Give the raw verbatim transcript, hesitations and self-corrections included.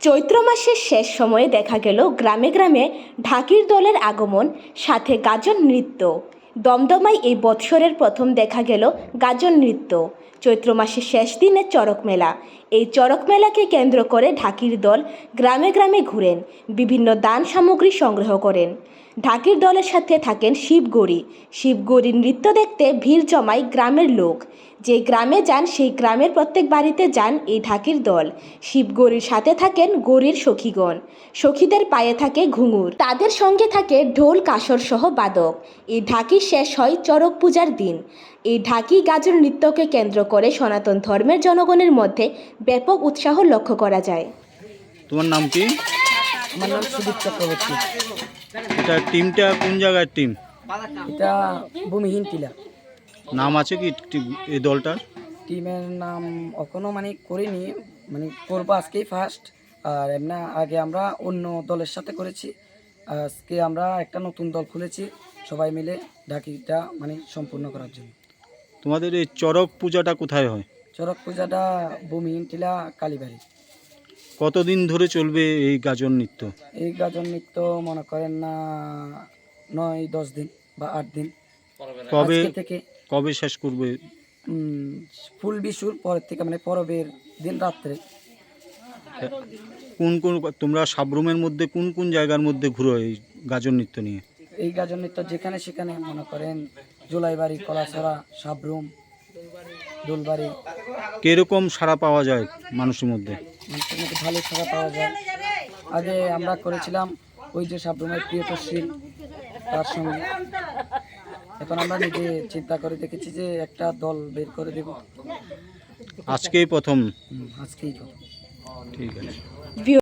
চৈত্র মাসের শেষ সময়ে দেখা গেল গ্রামে গ্রামে ঢাকির দলের আগমন, সাথে গাজন নৃত্য। দমদমায় এই বৎসরের প্রথম দেখা গেল গাজন নৃত্য। চৈত্র মাসের শেষ দিনে চড়ক মেলা। এই চড়ক মেলাকে কেন্দ্র করে ঢাকির দল গ্রামে গ্রামে ঘুরেন, বিভিন্ন দান সামগ্রী সংগ্রহ করেন। ঢাকির দলের সাথে থাকেন শিবগৌরী। শিবগৌরীর নৃত্য দেখতে ভিড় জমায় গ্রামের লোক। যে গ্রামে যান সেই গ্রামের প্রত্যেক বাড়িতে যান এই ঢাকির দল। শিবগৌরীর সাথে থাকেন গৌরীর সখীগণ। সখীদের পায়ে থাকে ঘুঙুর, তাদের সঙ্গে থাকে ঢোল কাসর সহ বাদক। এই ঢাকি শেষ হয় চড়ক পূজার দিন। এই ঢাকি গাজন নৃত্যকে কেন্দ্র করে সনাতন ধর্মের জনগণের মধ্যে ব্যাপক উৎসাহ লক্ষ্য করা যায়। তোমার নাম কি? আমার নাম সুদীপ চক্রবর্তী। এটা টিমটা কোন জায়গার টিম? এটা ভূমিহীন টিলা। নাম আছে কি টি- এই দলটার? টিমের নাম এখনো মানে করিনি, মানে করবো আজকেই ফার্স্ট। আর এমনি আগে আমরা অন্য দলের সাথে করেছি, আজকে আমরা একটা নতুন দল খুলেছি সবাই মিলে ঢাকিটা মানে সম্পূর্ণ করার জন্য। তোমাদের এই চড়ক পূজাটা কোথায় হয়? চড়ক পূজাটা ভূমিহীন টিলা কালীবাড়ি। কতদিন ধরে চলবে এই গাজন নৃত্য? এই গাজন নৃত্য মনে করেন না নয় দশ দিন বা আট দিন। কবে আজকে থেকে কবে শেষ করবে? উম, ফুল বিশুর পরের থেকে মানে পরবের দিন রাত্রে। কোন কোন তোমরা সাবরুমের মধ্যে কোন কোন জায়গার মধ্যে ঘুরো এই গাজন নৃত্য নিয়ে? এই গাজন নৃত্য যেখানে সেখানে মনে করেন জুলাইবাড়ি, কলাছড়া, সাবরুম, দোলবাড়ি। কিরকম সাড়া পাওয়া যায় মানুষের মধ্যে? মানুষের মধ্যে ভালো সাড়া পাওয়া যায়। আগে আমরা করেছিলাম ওই যে সাবরুমের প্রিয়তশীল তার সঙ্গে। এখন আমরা নিজে চিন্তা করে দেখেছি যে একটা দল বের করে দেব। আজকেই প্রথম? হুম, আজকেই কথা। ঠিক আছে।